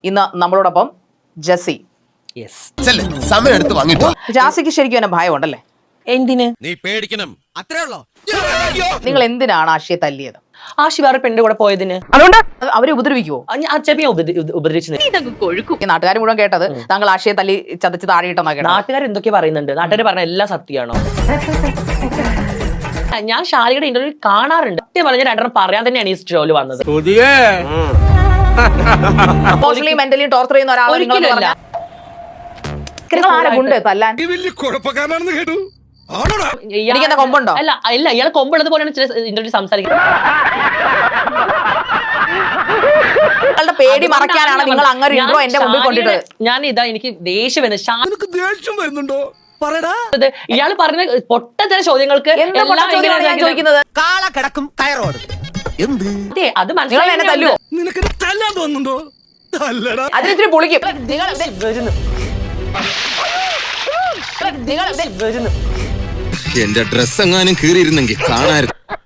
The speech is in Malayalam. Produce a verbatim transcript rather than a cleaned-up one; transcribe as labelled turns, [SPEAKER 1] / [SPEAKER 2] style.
[SPEAKER 1] ഇന്ന് നമ്മളോടൊപ്പം ജസി.
[SPEAKER 2] സമയം എടുത്ത് വാങ്ങിട്ടോ.
[SPEAKER 1] ജാസിക്ക് ശരിക്കും എന്നെ ഭയമുണ്ടല്ലേ?
[SPEAKER 3] എന്തിന്?
[SPEAKER 2] നീ പേടിക്കണം, അത്രേ ഉള്ളോ?
[SPEAKER 1] നിങ്ങൾ എന്തിനാണ് ആഷിയെ തല്ലിയത്?
[SPEAKER 3] ആശി വേറെ പെണ്ണിന്റെ കൂടെ പോയതിന്
[SPEAKER 1] അതുകൊണ്ട് അവരെ ഉപദ്രവിക്കുവോ?
[SPEAKER 3] അച്ഛനെ ഉപദ്രവിച്ചു.
[SPEAKER 1] ഈ നാട്ടുകാർ മുഴുവൻ കേട്ടത് താങ്കൾ ആഷിയെ തല്ലി ചതച്ച് താഴെയിട്ടെന്നാ കേട്ടത്.
[SPEAKER 3] നാട്ടുകാർ എന്തൊക്കെ പറയുന്നുണ്ട്? നാട്ടുകാർ പറഞ്ഞ എല്ലാം സത്യമാണോ? ഞാൻ ഷാലിയുടെ ഇന്റർവ്യൂ കാണാറുണ്ട്. സത്യം പറഞ്ഞ രണ്ടെണ്ണം പറയാൻ തന്നെയാണ് ഈ ഷോയില് വന്നത്.
[SPEAKER 1] ഇമോഷണലി മെന്റലി ടോർച്ചർ ചെയ്യുന്ന ഒരാളെ തല്ലാൻ എനിക്കെന്താ കൊമ്പുണ്ടോ?
[SPEAKER 3] അല്ല ഇല്ല, ഇയാളെ കൊമ്പുള്ളത് പോലെയാണ് ചില ഇന്റർവ്യൂ സംസാരിക്കുന്നത്.
[SPEAKER 1] നിങ്ങളുടെ പേടി മറയ്ക്കാനാണ് നിങ്ങൾ അങ്ങനെ ഇൻട്രോ എന്റെ മുമ്പിൽ കൊണ്ടിട്ട്.
[SPEAKER 3] ഞാൻ ഇതാ എനിക്ക് ദേഷ്യം
[SPEAKER 2] വരുന്നുണ്ടോ?
[SPEAKER 3] ഇയാള് പറഞ്ഞ പൊട്ട ചില ചോദ്യങ്ങൾക്ക്
[SPEAKER 1] ചോദിക്കുന്നത്
[SPEAKER 2] കാള കിടക്കും കയറോട് എന്ത്
[SPEAKER 3] അത് മനസ്സിലായി.
[SPEAKER 2] നിനക്ക് തല്ലാൻ തോന്നുന്നുണ്ടോ?
[SPEAKER 1] അതിനിത്തിരി പൊളിക്കും.
[SPEAKER 2] എന്റെ ഡ്രസ് എങ്ങാനും കീറിയിരുന്നെങ്കിൽ കാണായിരുന്നു.